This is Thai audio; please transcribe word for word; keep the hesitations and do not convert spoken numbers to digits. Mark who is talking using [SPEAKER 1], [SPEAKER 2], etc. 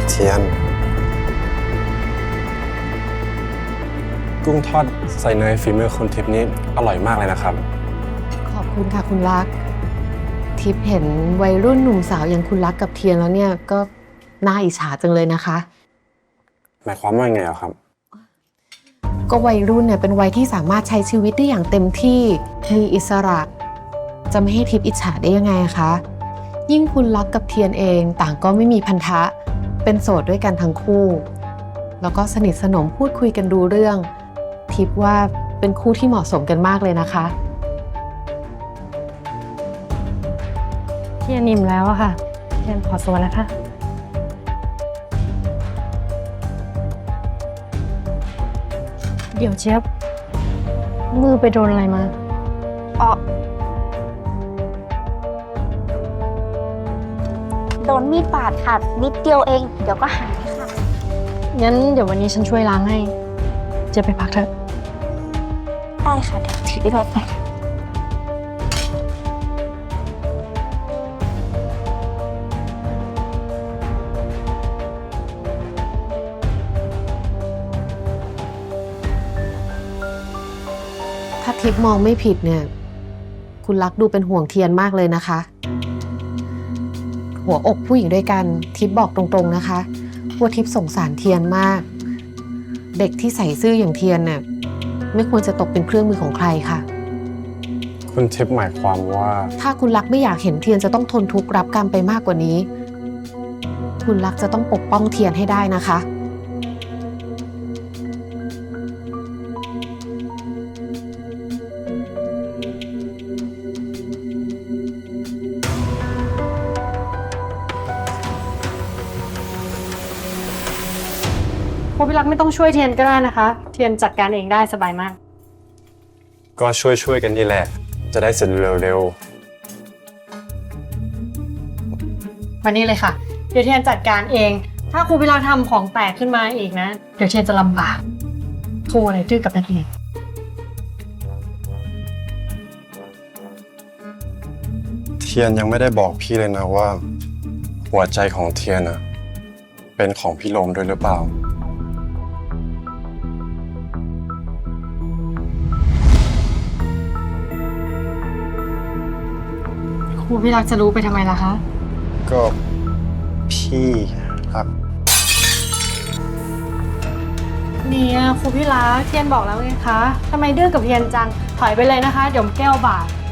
[SPEAKER 1] เทียนกุ้งทอดใส่เนยฝีมือคุณทิพย์นี้อร่อยมากเลยนะครับ
[SPEAKER 2] ขอบคุณค่ะคุณรักทิพย์เห็นวัยรุ่นหนุ่มสาวอย่างคุณรักกับเทียนแล้วเนี่ยก็น่าอิจฉาจังเลยนะคะ
[SPEAKER 1] หมายความว่าไงอะครับ
[SPEAKER 2] ก็วัยรุ่นเนี่ยเป็นวัยที่สามารถใช้ชีวิตได้อย่างเต็มที่มีอิสระจะไม่ให้ทิพย์อิจฉาได้ยังไงคะยิ่งคุณรักกับเทียนเองต่างก็ไม่มีพันธะเป็นโสดด้วยกันทั้งคู่แล้วก็สนิทสนมพูดคุยกันดูเรื่องทิพย์ว่าเป็นคู่ที่เหมาะสมกันมากเลยนะคะ
[SPEAKER 3] เทียนนิ่มแล้วอะค่ะเทียนขอตัวนะคะเดี๋ยวเจี๊ยบมือไปโดนอะไรมา
[SPEAKER 4] อ๋อโดนมีดบาดค่ะนิดเดียวเองเดี๋ยวก็หายค่ะ
[SPEAKER 3] งั้นเดี๋ยววันนี้ฉันช่วยล้างให้เจี๊ยบไปพักเถอะ
[SPEAKER 4] ได้ค่ะเดี๋ยวถือไปไป
[SPEAKER 2] ถ้าทิพย์มองไม่ผิดเนี่ยคุณรักดูเป็นห่วงเทียนมากเลยนะคะหัวอกผู้หญิงด้วยกันทิพย์บอกตรงๆนะคะว่าทิพย์สงสารเทียนมากเด็กที่ใส่ซื่ออย่างเทียนเนี่ยไม่ควรจะตกเป็นเครื่องมือของใครค่ะ
[SPEAKER 1] คุณทิพย์หมายความว่า
[SPEAKER 2] ถ้าคุณรักไม่อยากเห็นเทียนจะต้องทนทุกข์รับกรรมไปมากกว่านี้คุณรักจะต้องปกป้องเทียนให้ได้นะคะ
[SPEAKER 3] ครูพี่รักไม่ต้องช่วยเทียนก็ได้นะคะเทียนจัดการเองได้สบายมาก
[SPEAKER 1] ก็ช่วยช่วยกันนี่แหละจะได้เสร็จเร็ว
[SPEAKER 3] ๆวันนี้เลยค่ะเดี๋ยวเทียนจัดการเองถ้าครูพี่รักทำของแตกขึ้นมาอีกนะเดี๋ยวเทียนจะลำบากครูอะไรดื้อกับนักเรียน
[SPEAKER 1] เทียนยังไม่ได้บอกพี่เลยนะว่าหัวใจของเทียนนะเป็นของพี่โลมด้วยหรือเปล่า
[SPEAKER 3] ครูพี่รักจะรู้ไปทำไมล่ะคะ
[SPEAKER 1] ก็พี่ครับ
[SPEAKER 3] เนี่ยครูพี่รักเทียนบอกแล้วไงคะทำไมดื้อกับเทียนจังถอยไปเลยนะคะเดี๋ยวแก้วบาด